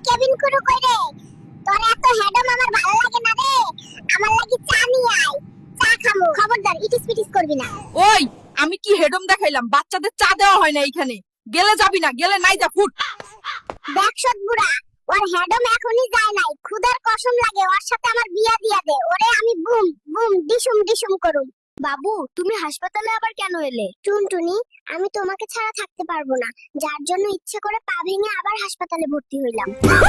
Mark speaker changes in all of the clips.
Speaker 1: Cabin করু কই রে? তোর এত হেডম আমার ভালো লাগে না রে। আমার লাগি চা নিয়ে আয়, চা খামু। খবরদার ইটিস পিটিস করবি না।
Speaker 2: ওই আমি কি হেডম দেখাইলাম? বাচ্চাদের চা দেওয়া হয় না এইখানে। গেলে যাবি না, গেলে নাই যা ফুট।
Speaker 1: দেখ সৎ বুড়া, ওর হেডম এখনই যায় নাই। খুদার কসম লাগে ওর সাথে আমার বিয়া দিয়া দে। ওরে আমি বুম বুম ডিসুম ডিসুম করুম। বাবু, তুমি হাসপাতালে আবার কেন এলে? টুনটুনি, আমি তোমাকে ছাড়া থাকতে পারবো না, যার জন্য ইচ্ছে করে পা ভেঙে আবার হাসপাতালে ভর্তি হইলাম।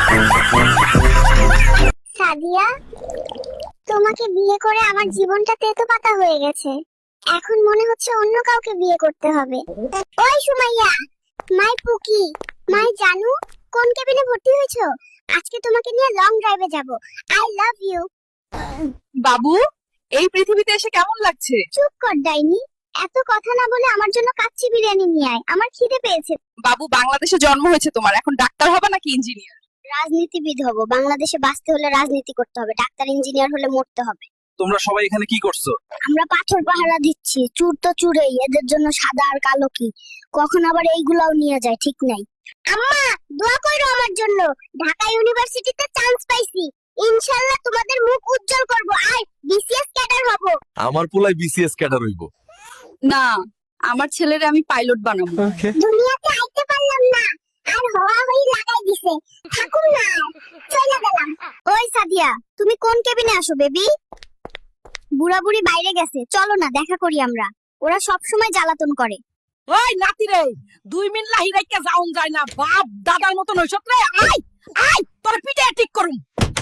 Speaker 1: সাদিয়া, তোমাকে বিয়ে করে আমার জীবনটা তেতো পাতা হয়ে গেছে। এখন মনে হচ্ছে অন্য কাউকে বিয়ে করতে হবে। ওই সুমাইয়া, মাই পুকি, মাই জানু, কোন কেবিনে ভর্তি হয়েছো? আজকে তোমাকে নিয়ে লং ড্রাইভে যাব। I love you.
Speaker 2: বাবু, এই পৃথিবীতে এসে কেমন লাগছে?
Speaker 1: চুপ কর ডাইনি, এত কথা না বলে আমার জন্য কাচ্চি বিরিয়ানি নিয়ে আয়, আমার খিদে পেয়েছে।
Speaker 2: বাবু, বাংলাদেশে জন্ম হয়েছে তোমার, এখন ডাক্তার হবে নাকি ইঞ্জিনিয়ার?
Speaker 1: রাজনীতিবিদ হব। বাংলাদেশে বাঁচতে হলে রাজনীতি করতে হবে, ডাক্তার ইঞ্জিনিয়ার হলে মরতে হবে।
Speaker 3: তোমরা সবাই এখানে কি করছো?
Speaker 1: আমরা পাথর পাহারা দিচ্ছি। চুর তো চুরেই, এদের জন্য সাদা আর কালো কি, কখন আবার এইগুলাও নিয়ে যায় ঠিক নাই। আম্মা, দোয়া কইরো আমার জন্য। ঢাকা ইউনিভার্সিটিতে চান্স পাইছি, ইনশাআল্লাহ তোমাদের মুখ উজ্জ্বল করব। আর বিসিএস ক্যাডার হব।
Speaker 3: আমার পোলাই বিসিএস ক্যাডার হইব।
Speaker 2: না, আমার ছেলেরে আমি পাইলট বানাবো।
Speaker 1: দুনিয়াতে আইতে পারলাম না, আর হওয়া হই লাগাই দিছে। থাকুম না, চলে গেলাম। ওই সাদিয়া, তুমি কোন কেবিনে আসো বেবি? বুড়া বুড়ি বাইরে গেছে, চলো না দেখা করি আমরা। ওরা সব সময় জ্বালাতন করে।
Speaker 2: ওই নাতি রে, 2 মিনিট লাহি রাইকা যাওন যায় না, বাপ দাদার মতন হইছত রে। আয় আয়, তোর পিঠে ঠিক করুম।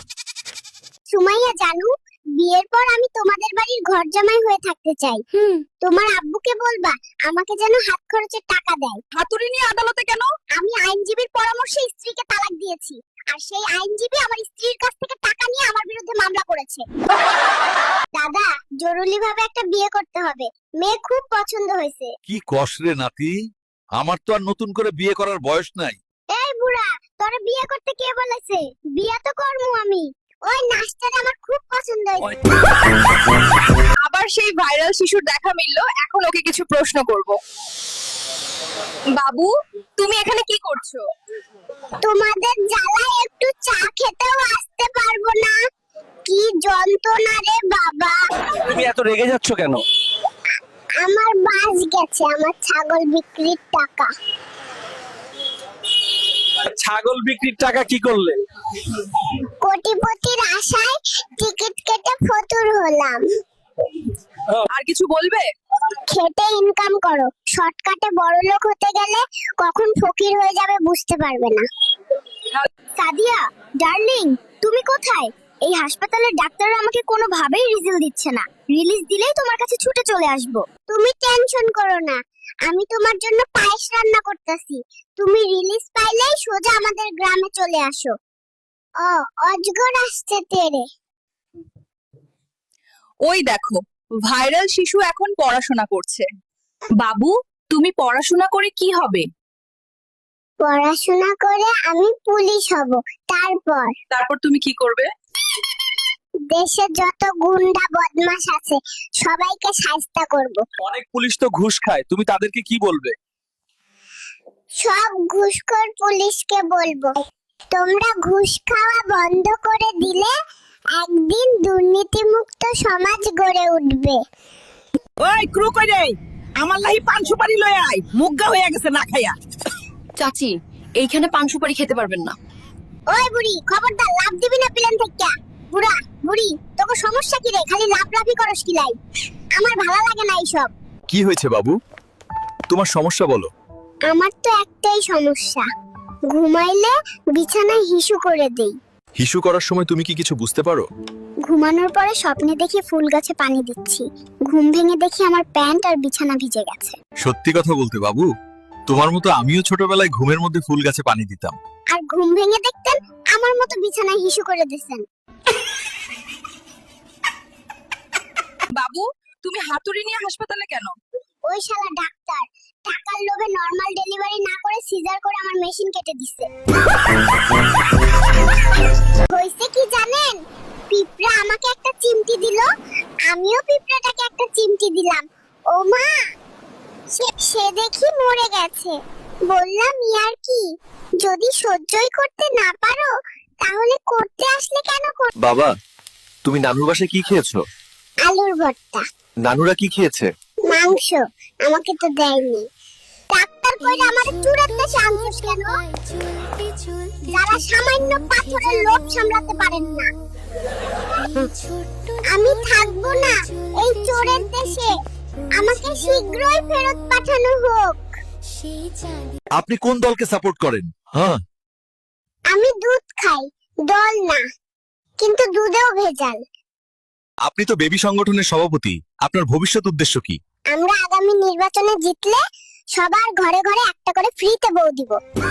Speaker 1: সুমাইয়া জানু, বিয়ের পর আমি তোমাদের বাড়ির ঘর জামাই হয়ে থাকতে চাই। তোমার আব্বুকে বলবা আমাকে যেন হাত খরচের টাকা দেয়।
Speaker 2: হাতুড়ি নিয়ে আদালতে কেন?
Speaker 1: আমি আইনজীবীর পরামর্শে স্ত্রীকে তালাক দিয়েছি, আর সেই আইনজীবী আমার স্ত্রীর কাছ থেকে টাকা নিয়ে আমার বিরুদ্ধে মামলা করেছে। দাদা, জরুরি ভাবে একটা বিয়ে করতে হবে, মেয়ে খুব পছন্দ হয়েছে।
Speaker 3: কি কস রে নাতি, আমার তো আর নতুন করে বিয়ে করার বয়স নাই।
Speaker 1: এই বুড়া, তোরে বিয়ে করতে কে বলেছে? বিয়ে তো করমু আমি। ওই নাচটা আমার খুব পছন্দ হয়েছে।
Speaker 2: আবার সেই ভাইরাল শিশুর দেখা মিললো, এখন ওকে কিছু প্রশ্ন করব। বাবু, তুমি এখানে কি করছো?
Speaker 1: তোমাদের জ্বালায় একটু চা খেতেও আসতে পারবো না, কি যন্ত্রণা রে বাবা।
Speaker 3: তুমি এত রেগে যাচ্ছ কেন?
Speaker 1: আমার বাস গেছে, আমার ছাগল বিক্রির টাকা।
Speaker 3: ছাগল বিক্রির টাকা কি করলে?
Speaker 1: কোটিপতির আশায় টিকিট কেটে ফতুর হলাম।
Speaker 2: আর কিছু বলবে?
Speaker 1: খেটে ইনকাম করো, শর্টকাটে বড়লোক হতে গেলে কখন ফকির হয়ে যাবে বুঝতে পারবে না। সাদিয়া ডার্লিং, তুমি কোথায়? এই হাসপাতালের ডাক্তাররা আমাকে কোনোভাবেই রিজিল দিচ্ছে না। রিলিজ দিলেই তোমার কাছে ছুটে চলে আসবো। তুমি টেনশন করো না, আমি তোমার জন্য পায়েস রান্না করতেছি। তুমি রিলিজ পাইলেই সোজা আমাদের গ্রামে চলে আসো। ও অজগর আসছে তেরে।
Speaker 2: ওই দেখো, ভাইরাল শিশু এখন পড়াশোনা করছে। বাবু, তুমি পড়াশোনা করে কি হবে?
Speaker 1: পড়াশোনা করে আমি পুলিশ হব।
Speaker 2: তারপর তুমি কি করবে?
Speaker 1: দেশে যত গুন্ডা বদমাশ আছে সবাইকে শায়েস্তা করব।
Speaker 3: অনেক পুলিশ তো ঘুষ খায়, তুমি তাদেরকে কি বলবে?
Speaker 1: সব ঘুষখোর পুলিশকে বলবো, তোমরা ঘুষ খাওয়া বন্ধ করে দিলে একদিন দুর্নীতিমুক্ত সমাজ গড়ে উঠবে।
Speaker 2: ওই ক্রু কই রে, আমার লাহি পান সুপারি লয়ে আয়, মুগ্গা হয়ে গেছে না খাইয়া। চাচি, এইখানে পান সুপারি খেতে পারবেন না।
Speaker 1: ওই বুড়ি, খবরদার লাভ দিবি না প্লেন থেকে। বুড়া বুড়ি, তোকে সমস্যা কি রে? খালি লাফলাফি করস কি লাই? আমার ভালো লাগে না এইসব।
Speaker 3: কি হয়েছে বাবু, তোমার সমস্যা বলো।
Speaker 1: আমার তো একটাই সমস্যা, ঘুমাইলে বিছানায় হিসু করে দেই।
Speaker 3: হিসু করার সময় তুমি কি কিছু বুঝতে পারো?
Speaker 1: ঘুমানোর পরে স্বপ্নে দেখি ফুল গাছে পানি দিচ্ছি, ঘুম ভেঙে দেখি আমার প্যান্ট আর বিছানা ভিজে গেছে।
Speaker 3: সত্যি কথা বলতে বাবু, তোমার মতো আমিও ছোটবেলায় ঘুমের মধ্যে ফুল গাছে পানি দিতাম।
Speaker 1: আর ঘুম ভেঙে দেখতেন আমার মতো বিছানায় হিসু করে দিয়েছেন।
Speaker 2: বাবু, তুমি হাতুড়ি নিয়ে হাসপাতালে কেন?
Speaker 1: ওই শালা ডাক্তার টাকার লোভে নরমাল ডেলিভারি না করে সিজার করে আমার মেশিন কেটে দিছে। হইছে কি জানেন? পিঁপড়া আমাকে একটা চিমটি দিল, আমিও পিঁপড়াটাকে একটা চিমটি দিলাম। ও মা, সে দেখি মরে গেছে। বললাম ইয়ার কি, যদি সহ্যই করতে না পারো তাহলে করতে আসলে কেন
Speaker 3: বাবা, তুমি নানুর বাসায় কি খেয়েছো?
Speaker 1: আলুর ভর্তা।
Speaker 3: নানুরা কি খেয়েছে?
Speaker 1: মাংস। আমাকে তো দেয়নি। ডাক্তার কইলে আমার চুরের দেশে আনছিস কেন? যারা সামান্য পাথরের লোভ সামলাতে পারেন না। আমি থাকবো না এই চোরের দেশে। আমাকে শীঘ্রই ফেরত পাঠানো হোক।
Speaker 3: আপনি কোন দলকে সাপোর্ট করেন? হ্যাঁ,
Speaker 1: আমি দুধ খাই, দল না, কিন্তু দুধেও ভেজাল।
Speaker 3: আপনি তো বেবি সংগঠনের সভাপতি, আপনার ভবিষ্যৎ উদ্দেশ্য কি?
Speaker 1: আমরা আগামী নির্বাচনে জিতলে সবার ঘরে ঘরে একটা করে ফ্রিতে বউ দিব।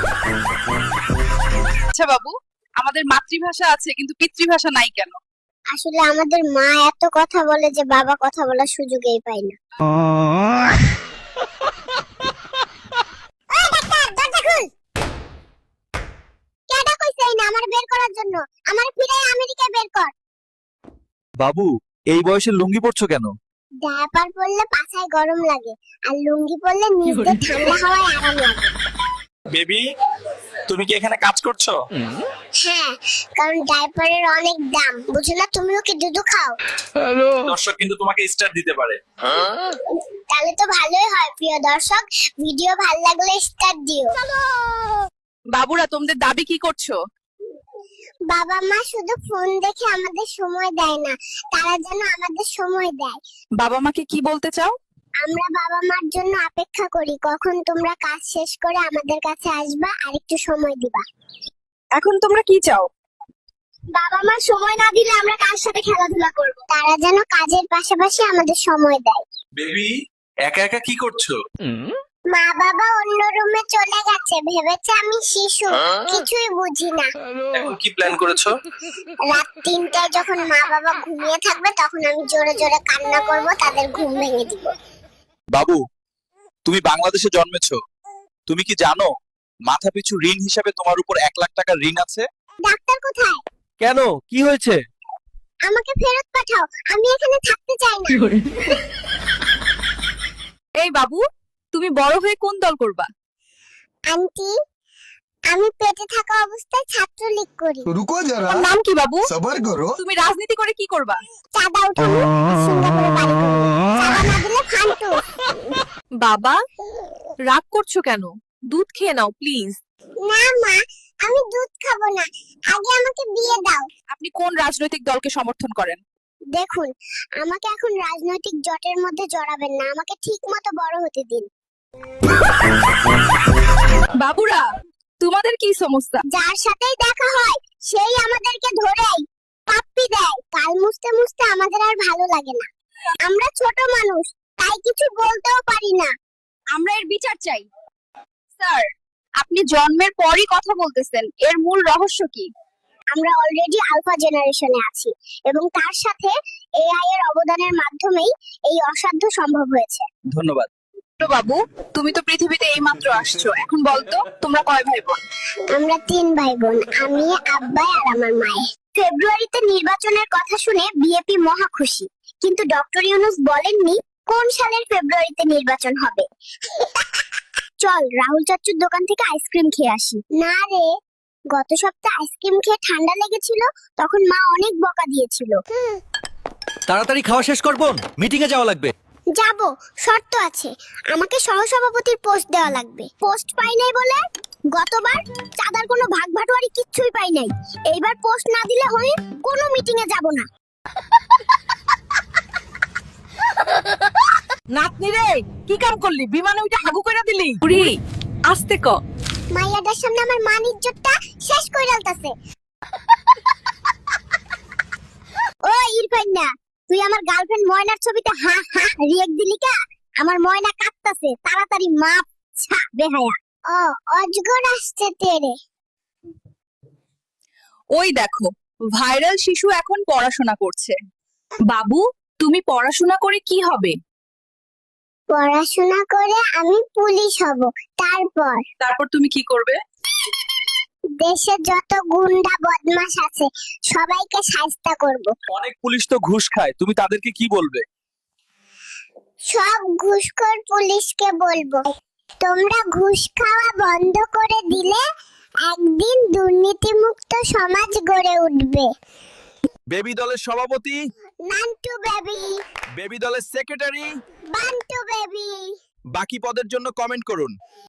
Speaker 2: আচ্ছা বাবু, আমাদের মাতৃভাষা আছে কিন্তু পিতৃভাষা নাই কেন?
Speaker 1: আসলে আমাদের মা এত কথা বলে যে বাবা কথা বলার সুযোগই পায় না। ওই ডাক্তার, দরজা খুল। কেডা কইছে এই না আমার বের করার জন্য? আমার ফিরে আমেরিকায় বের কর।
Speaker 3: বাবু, এই বয়সে লুঙ্গি পরছো কেন?
Speaker 1: ডায়াপার পরলে পাছায় গরম লাগে, আর লুঙ্গি পরলে নিচে ঠান্ডা হাওয়ায় আরাম লাগে।
Speaker 4: বেবি, তুমি কি এখানে কাজ করছো?
Speaker 1: হ্যাঁ, কারণ ডায়াপারের অনেক দাম, বুঝো না? তুমিও কি দুধ খাও?
Speaker 4: দর্শক কিন্তু তোমাকে স্টার দিতে পারে।
Speaker 1: তাহলে তো ভালোই হয়। প্রিয় দর্শক, ভিডিও ভালো লাগলে স্টার দিও।
Speaker 2: বাবুরা, তোমাদের দাবি কি করছো?
Speaker 1: বাবা মা শুধু ফোন দেখে আমাদের সময় দেয় না, তারা যেন আমাদের সময় দেয়।
Speaker 2: বাবা মাকে কি বলতে চাও?
Speaker 1: আমরা বাবা মার জন্য অপেক্ষা করি কখন তোমরা কাজ শেষ করে আমাদের কাছে আসবা আর একটু সময় দিবা।
Speaker 2: এখন তোমরা কি চাও?
Speaker 1: বাবা মা সময় না দিলে আমরা কার সাথে খেলাধুলা করব? তারা যেন কাজের পাশাপাশি আমাদের সময় দেয়।
Speaker 4: বেবি, একা একা কি করছো?
Speaker 1: মা বাবা অন্য রুমে চলে গেছে, ভেবেছে আমি শিশু, কিছুই বুঝি না।
Speaker 4: এখন কি প্ল্যান করেছো?
Speaker 1: রাত 3টায় যখন মা বাবা ঘুমিয়ে থাকবে তখন আমি জোরে জোরে কান্না করব, তাদের ঘুম ভেঙে দিব।
Speaker 3: বাবু, তুমি বাংলাদেশে জন্মেছো, তুমি কি জানো মাথাপিছু ঋণ হিসাবে তোমার উপর 1 লাখ টাকা ঋণ আছে?
Speaker 1: ডাক্তার কোথায়?
Speaker 3: কেন, কি হয়েছে?
Speaker 1: আমাকে ফেরত পাঠাও, আমি এখানে থাকতে চাই না।
Speaker 2: এই বাবু, তুমি বড় হয়ে কোন দল করবা?
Speaker 1: আন্টি, আমি পেটে থাকা অবস্থায় ছাত্রলীগ করি।
Speaker 5: रुको जरा
Speaker 2: তোমার নাম কি বাবু?
Speaker 5: सबर करो।
Speaker 2: তুমি রাজনীতি করে কি করবা?
Speaker 1: চাঁদা উঠাবো, সিঙ্গাপুরে বাড়ি করবো। চাঁদা না দিলে ফান্টু।
Speaker 2: বাবা, রাগ করছো কেন? দুধ খেয়ে নাও প্লিজ।
Speaker 1: না মা, আমি দুধ খাবো না, আগে আমাকে বিয়ে দাও।
Speaker 2: আপনি কোন রাজনৈতিক দলকে সমর্থন করেন?
Speaker 1: দেখুন, আমাকে এখন রাজনৈতিক জটের মধ্যে জড়াবেন না, আমাকে ঠিক মতো বড় হতে দিন।
Speaker 2: বাবুরা, তোমাদের কি সমস্যা?
Speaker 1: যার সাথেই দেখা হয় সেই আমাদেরকে ধরেই পাপ্পি দেয়। কাল মুছতে মুছতে আমাদের আর ভালো লাগে না। আমরা ছোট মানুষ, তাই কিছু বলতেও পারি না।
Speaker 2: আমরা এর বিচার চাই। স্যার, আপনি জন্মের পরই কথা বলতেছেন, এর মূল রহস্য কি?
Speaker 1: আমরা অলরেডি আলফা জেনারেশনে আছি এবং তার সাথে এআই এর অবদানের মাধ্যমেই এই অসাধ্য সম্ভব হয়েছে।
Speaker 3: ধন্যবাদ।
Speaker 2: তো বাবু, তুমি তো পৃথিবীতে এইমাত্র আসছো, এখন বলতো তোমরা কয় ভাই বোন?
Speaker 1: আমরা 3 ভাই বোন, আমি, আব্বাই আর আমার মায়ে। ফেব্রুয়ারিতে নির্বাচনের কথা শুনে বিএপি মহা খুশি, কিন্তু ডক্টর ইউনূস বলেননি কোন সালের ফেব্রুয়ারিতে নির্বাচন হবে। চল রাহুল চাচুর দোকান থেকে আইসক্রিম খেয়ে আসি। না রে, গত সপ্তাহে আইসক্রিম খেয়ে ঠান্ডা লেগেছিল, তখন মা অনেক বকা দিয়েছিল।
Speaker 3: তাড়াতাড়ি খাওয়া শেষ করবো, মিটিং এ যাওয়া লাগবে।
Speaker 1: যাব, শর্ত আছে, আমাকে সহসভাপতির পোস্ট দেওয়া লাগবে। পোস্ট পাই নাই বলে গতবার চাঁদার কোনো ভাগ ভাটোয়ারি কিচ্ছুই পাই নাই। এইবার পোস্ট না দিলে হয় কোনো মিটিং এ যাব না।
Speaker 2: নাতনি রে, কি কাম করলি? বিমানে উঠে হাগু কইরা দিলি? পুরি, আস্তে ক।
Speaker 1: মাইয়াটার সামনে আমার মান ইজ্জতটা শেষ কইরা আলতাছে। ও ইরফান না, তুই আমার গার্লফ্রেন্ড ময়নার ছবিতে হা হা রিয়েক্ট দিলি কা? আমার ময়না কাঁদতাছে, তাড়াতাড়ি মাপ ছা বেহায়া। ও অজগর আসছে তেরে।
Speaker 2: ওই দেখো, ভাইরাল শিশু এখন পড়াশোনা করছে। বাবু, তুমি পড়াশোনা করে কি হবে?
Speaker 1: পড়াশোনা করে আমি পুলিশ হব,
Speaker 2: তারপর তুমি কি করবে?
Speaker 1: দেশে যত গুন্ডা বদমাশ আছে সবাইকে শায়েস্তা করব।
Speaker 3: অনেক পুলিশ তো ঘুষ খায়, তুমি তাদেরকে কি বলবে?
Speaker 1: সব ঘুষখোর পুলিশকে বলবো, তোমরা ঘুষ খাওয়া বন্ধ করে দিলে একদিন দুর্নীতিমুক্ত সমাজ গড়ে উঠবে।
Speaker 3: বেবি দলের সভাপতি,
Speaker 1: নান্টু বেবি,
Speaker 3: বেবি দলের সেক্রেটারি,
Speaker 1: বান্টু বেবি।
Speaker 3: বাকি পদের জন্য কমেন্ট করুন।